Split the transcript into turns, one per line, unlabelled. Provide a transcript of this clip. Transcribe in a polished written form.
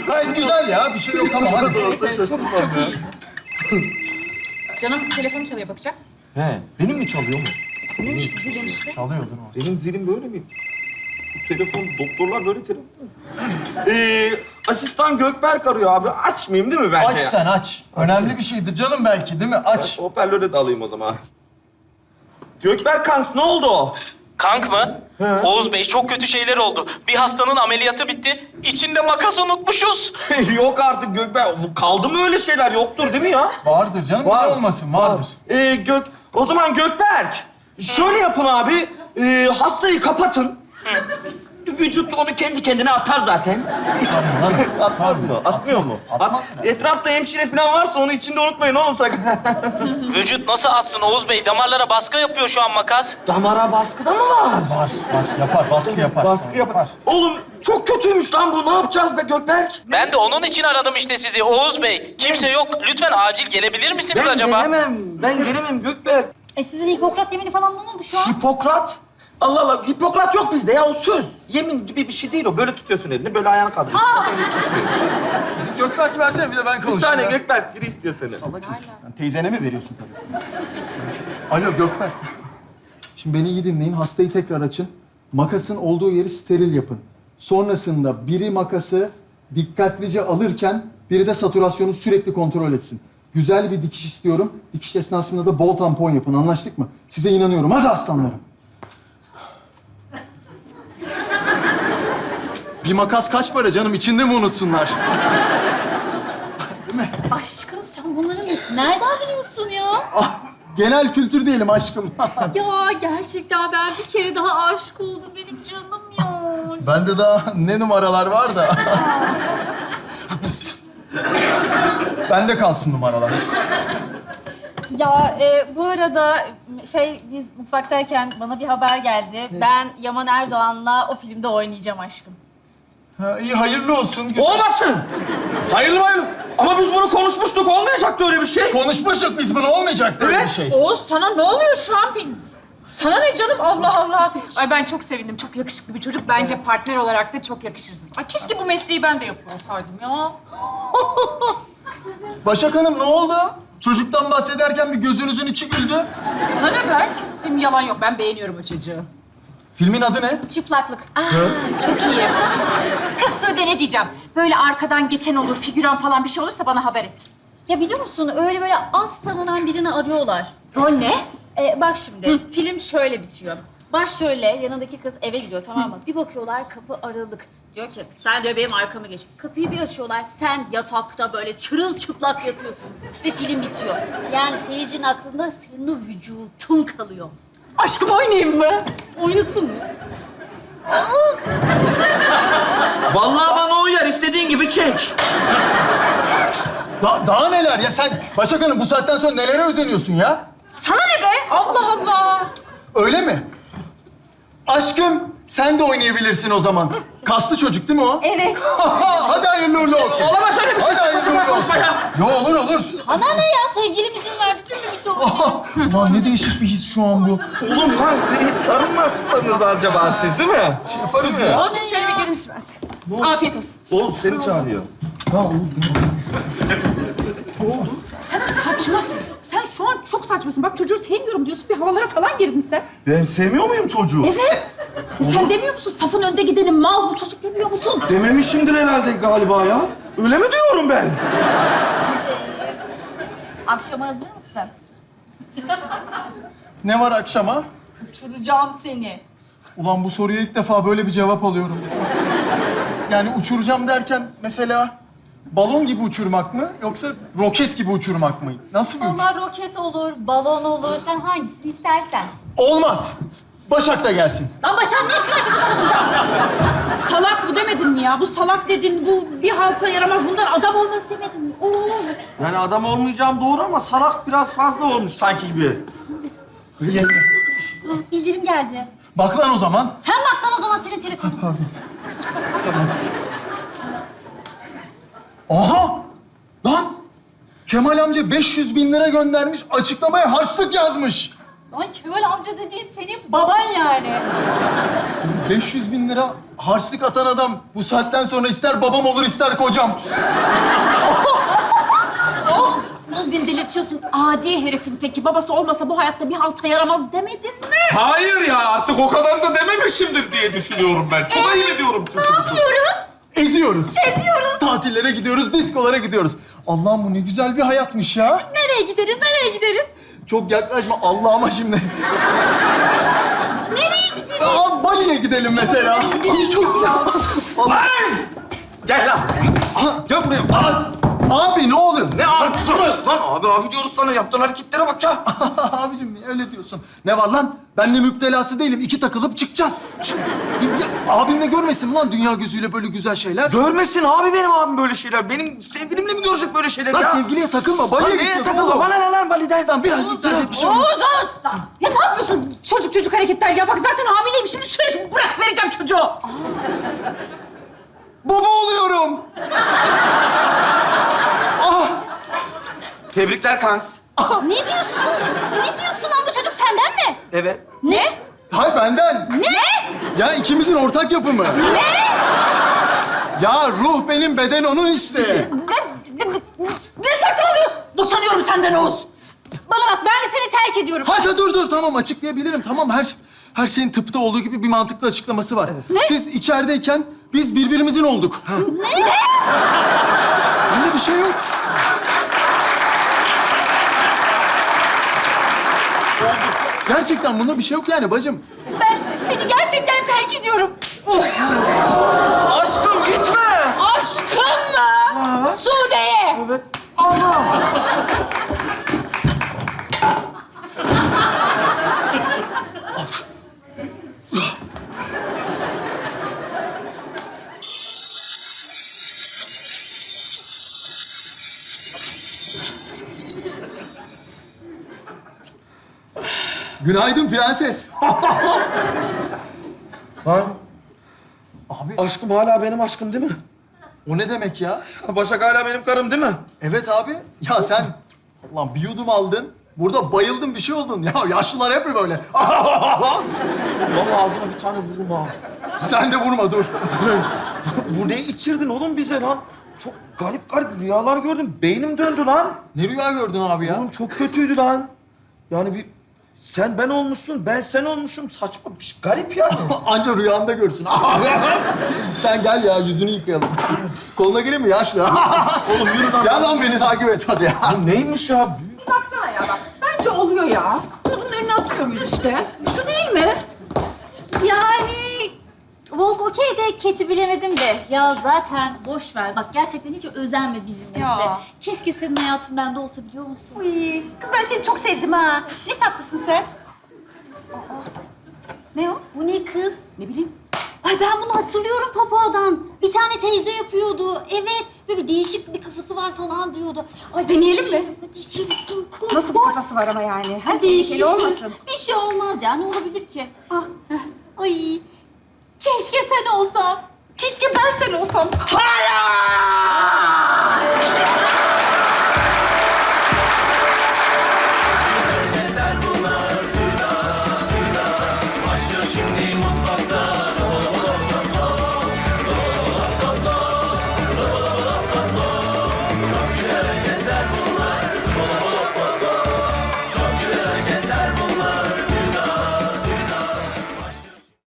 Gayet güzel ya. Bir şey yok. Tamam hadi.
Çok iyi. Canım telefon çalıyor, bakacak mısın?
He, benim mi çalıyor mu?
Senin zilin işte.
Çalıyordur o.
Benim zilim böyle mi? Bu telefon, doktorlar böyle telefon. Asistan Gökberk arıyor abi. Açmayayım değil mi bence?
Aç sen aç. Önemli bir şeydir canım belki değil mi? Aç.
Hoparlöre de alayım o zaman. Gökberk kanks ne oldu o?
Kank mı? Oğuz Bey çok kötü şeyler oldu. Bir hastanın ameliyatı bitti. İçinde makas unutmuşuz.
Yok artık Gökberk. Kaldı mı öyle şeyler? Yoktur değil mi ya?
Vardır canım.
Var.
Niye olmasın? Vardır.
O zaman Gökberk. Şöyle yapın abi. Hastayı kapatın. Vücut onu kendi kendine atar zaten.
Tabii lan.
Atar mı? Atmıyor mu?
Atmaz herhalde.
Etrafta hemşire falan varsa onu içinde unutmayın oğlum sakın.
Vücut nasıl atsın Oğuz Bey? Damarlara baskı yapıyor şu an makas.
Damara baskıda mı var?
Var. Yapar. Baskı yapar.
Baskı yapar. Oğlum çok kötüymüş lan bu. Ne yapacağız be Gökberk?
Ben de onun için aradım işte sizi Oğuz Bey. Kimse yok. Lütfen acil gelebilir misiniz acaba?
Ben gelemem Gökberk.
Sizin Hipokrat yemini falan ne oldu şu an?
Hipokrat. Allah Allah. Hipokrat yok bizde ya. O söz. Yemin gibi bir şey değil o. Böyle tutuyorsun elini. Böyle ayağını kaldırıyorsun. Öyle tutmuyorsun.
Gökberk versene bir de ben
Bir
konuşayım.
saniye
ya.
Gökberk. Biri istiyor seni.
Salak mısın sen? Teyzene mi veriyorsun tabii? Alo Gökberk. Şimdi beni iyi dinleyin. Hastayı tekrar açın. Makasın olduğu yeri steril yapın. Sonrasında biri makası dikkatlice alırken biri de satürasyonu sürekli kontrol etsin. Güzel bir dikiş istiyorum. Dikiş esnasında da bol tampon yapın. Anlaştık mı? Size inanıyorum. Hadi aslanlarım. Bir makas kaç para canım? İçinde mi unutsunlar?
Aşkım sen bunları nereden biliyorsun ya?
Ah, genel kültür diyelim aşkım.
Ya gerçekten ben bir kere daha aşık oldum benim canım ya.
Bende daha ne numaralar var da. Bende kalsın numaralar.
Ya bu arada biz mutfaktayken bana bir haber geldi. Ben Yaman Erdoğan'la o filmde oynayacağım aşkım.
Ha, iyi hayırlı olsun. Güzel.
Olmasın. Hayırlı hayırlı. Ama biz bunu konuşmuştuk. Olmayacaktı öyle bir şey.
Konuşmuştuk biz bunu, olmayacaktı öyle bir
Evet.
şey.
Oğuz sana ne oluyor şu an? Sana ne canım? Allah Allah. Ay ben çok sevindim. Çok yakışıklı bir çocuk. Bence partner olarak da çok yakışırsın. Ay keşke bu mesleği ben de yapıyor olsaydım ya.
Başak Hanım ne oldu? Çocuktan bahsederken bir gözünüzün içi güldü.
Sana ne Berk? Benim yalan yok. Ben beğeniyorum o çocuğu.
Filmin adı ne?
Çıplaklık.
Çok iyi. Kız Sude ne diyeceğim? Böyle arkadan geçen olur, figüran falan bir şey olursa bana haber et.
Ya biliyor musun öyle böyle az tanınan birini arıyorlar.
Rol ne?
Bak şimdi film şöyle bitiyor. Baş şöyle, yanındaki kız eve gidiyor tamam mı? Bir bakıyorlar kapı aralık. Diyor ki sen diyor benim arkamı geç. Kapıyı bir açıyorlar sen yatakta böyle çırılçıplak yatıyorsun. Ve film bitiyor. Yani seyircinin aklında senin o vücutun kalıyor.
Aşkım oynayayım mı?
Oynasın mı?
Vallahi bana uyar. İstediğin gibi çek.
Daha neler ya sen? Başak Hanım bu saatten sonra nelere özeniyorsun ya?
Sana ne be? Allah Allah.
Öyle mi? Aşkım sen de oynayabilirsin o zaman. Kaslı çocuk değil mi o?
Evet.
Hadi hayırlı uğurlu olsun.
Olamaz öyle bir şey.
Hadi hayırlı uğurlu olsun. Yo olur olur.
Ana ne ya sevgilim izin verdi değil mi bitti o?
Ulan ne değişik bir his şu an bu.
Oğlum lan hiç sarılmazsınız acaba siz değil mi?
Şey yaparız ya.
Oğuzcum şöyle bir gelir misin ben sana? Afiyet olsun.
Oğuz seni çağırıyor.
Sen saçmasın. Sen şu an çok saçmasın. Bak çocuğu sevmiyorum diyorsun. Bir havalara falan girdin sen.
Ben sevmiyor muyum çocuğu?
Evet. Ya sen demiyor musun? Safın önde gidenin mal bu çocuk demiyor musun?
Dememişimdir herhalde galiba ya. Öyle mi diyorum ben?
Akşama hazır mısın?
Ne var akşama?
Uçuracağım seni.
Ulan bu soruya ilk defa böyle bir cevap alıyorum. Yani uçuracağım derken mesela balon gibi uçurmak mı yoksa roket gibi uçurmak mı? Nasıl bir uçurum?
Onlar roket olur, balon olur. Sen hangisini istersen.
Olmaz. Başak da gelsin.
Lan Başak'ın ne işi var bizim aramızda?
Salak bu demedin mi ya? Bu salak dedin, bu bir halta yaramaz. Bundan adam olmaz demedin mi? Oğuz.
Yani adam olmayacağım doğru ama salak biraz fazla olmuş sanki gibi.
Bildirim geldi.
Bak lan o zaman.
Sen bak lan o zaman senin telefonun.
Aha! Lan! Kemal amca 500 bin lira göndermiş, açıklamaya harçlık yazmış.
Lan Kemal amca dediğin senin baban yani.
500 bin lira harçlık atan adam bu saatten sonra ister babam olur ister kocam.
Oğuz beni delirtiyorsun. Adi herifin teki. Babası olmasa bu hayatta bir halta yaramaz demedin mi?
Hayır ya artık o kadar da dememişimdir diye düşünüyorum ben. Çok ayıp ediyorum çünkü.
Ne yapıyoruz?
Eziyoruz.
Eziyoruz.
Tatillere gidiyoruz, diskolara gidiyoruz. Allah'ım bu ne güzel bir hayatmış ya.
Nereye gideriz, nereye gideriz?
Çok yaklaşma Allah'ıma şimdi.
Nereye gideriz?
Bali'ye gidelim mesela. Çok ya.
Lan! Gel lan. Gel buraya.
Abi ne oluyor?
Ne abisi lan? Lan abi diyoruz sana. Yaptığın hareketlere bak ya.
Abicim niye öyle diyorsun? Ne var lan? Ben de müptelası değilim. 2 takılıp çıkacağız. Abim de görmesin lan dünya gözüyle böyle güzel şeyler.
Görmesin abi benim abim böyle şeyler. Benim sevgilimle mi görecek böyle şeyler
Lan
ya?
sevgiliye takılma.
Lan
Bali'ye
neye
gideceğiz
takılma?
oğlum.
Bana ne lan Bali'den?
Tamam biraz dikkat et bir şey olmaz.
Oğuz! Ya ne yapıyorsun? Çocuk hareketler ya. Bak zaten hamileyim. Şimdi şuraya bırak vereceğim çocuğu.
Baba oluyorum.
Tebrikler kanks.
Ne diyorsun? Ne diyorsun lan? Bu çocuk senden mi?
Evet.
Ne?
Hay benden.
Ne?
Ya ikimizin ortak yapımı.
Ne?
Ya ruh benim, beden onun işte.
Ne saçmalıyor? Boşanıyorum senden Oğuz.
Bana bak, ben de seni terk ediyorum.
Hadi dur tamam açıklayabilirim. Tamam her şeyin tıpta olduğu gibi bir mantıklı açıklaması var.
Ne?
Siz içerideyken biz birbirimizin olduk.
Ne?
Bunda bir şey yok. Gerçekten bunda bir şey yok yani bacım.
Ben seni gerçekten terk ediyorum.
Aşkım gitme.
Aşkım mı? Sude'ye.
Evet. Allah.
Günaydın prenses.
Ha?
Abi
Aşkım hala benim aşkım değil mi?
o ne demek ya?
Başak hala benim karım değil mi?
Evet abi. Ya sen ulan bir yudum aldın. Burada bayıldın bir şey oldun. Ya yaşlılar hep mi böyle?
Vallahi ağzıma bir tane vururum ha.
Sen de vurma dur.
Bu ne içirdin oğlum bize lan? Çok garip rüyalar gördüm. Beynim döndü lan.
Ne rüya gördün abi ya?
Oğlum çok kötüydü lan. Yani bir sen ben olmuşsun, ben sen olmuşum. Saçma bir şey. Garip yani.
Anca rüyanda görsün. Sen gel ya yüzünü yıkayalım. Koluna gireyim mi yaşlı?
Oğlum yürü lan.
Gel lan beni takip et hadi ya.
Bu neymiş ya?
Baksana ya bak. Bence oluyor ya. Bunun önüne atmıyor muyuz işte? Şu değil mi?
Yani Volk okey de Cat'i bilemedim de. Ya zaten boş ver. Bak gerçekten hiç özenme bizimle.
Ya.
Keşke senin hayatın bende olsa biliyor musun?
Uy, kız ben seni çok sevdim ha. Ne tatlısın sen. Ne o?
Bu ne kız?
Ne bileyim.
Ay ben bunu hatırlıyorum Papa'dan. Bir tane teyze yapıyordu. Evet. Böyle bir değişik bir kafası var falan diyordu. Ay
Deneyelim mi?
içelim, hadi içelim. Kork,
Nasıl bir
kork.
kafası var ama yani? Ha,
Değişik.
tehlikeli olmasın.
Bir şey olmaz ya. Ne olabilir ki? Ah. Ay. Keşke sen olsan.
Keşke ben sen olsam.
Hayır!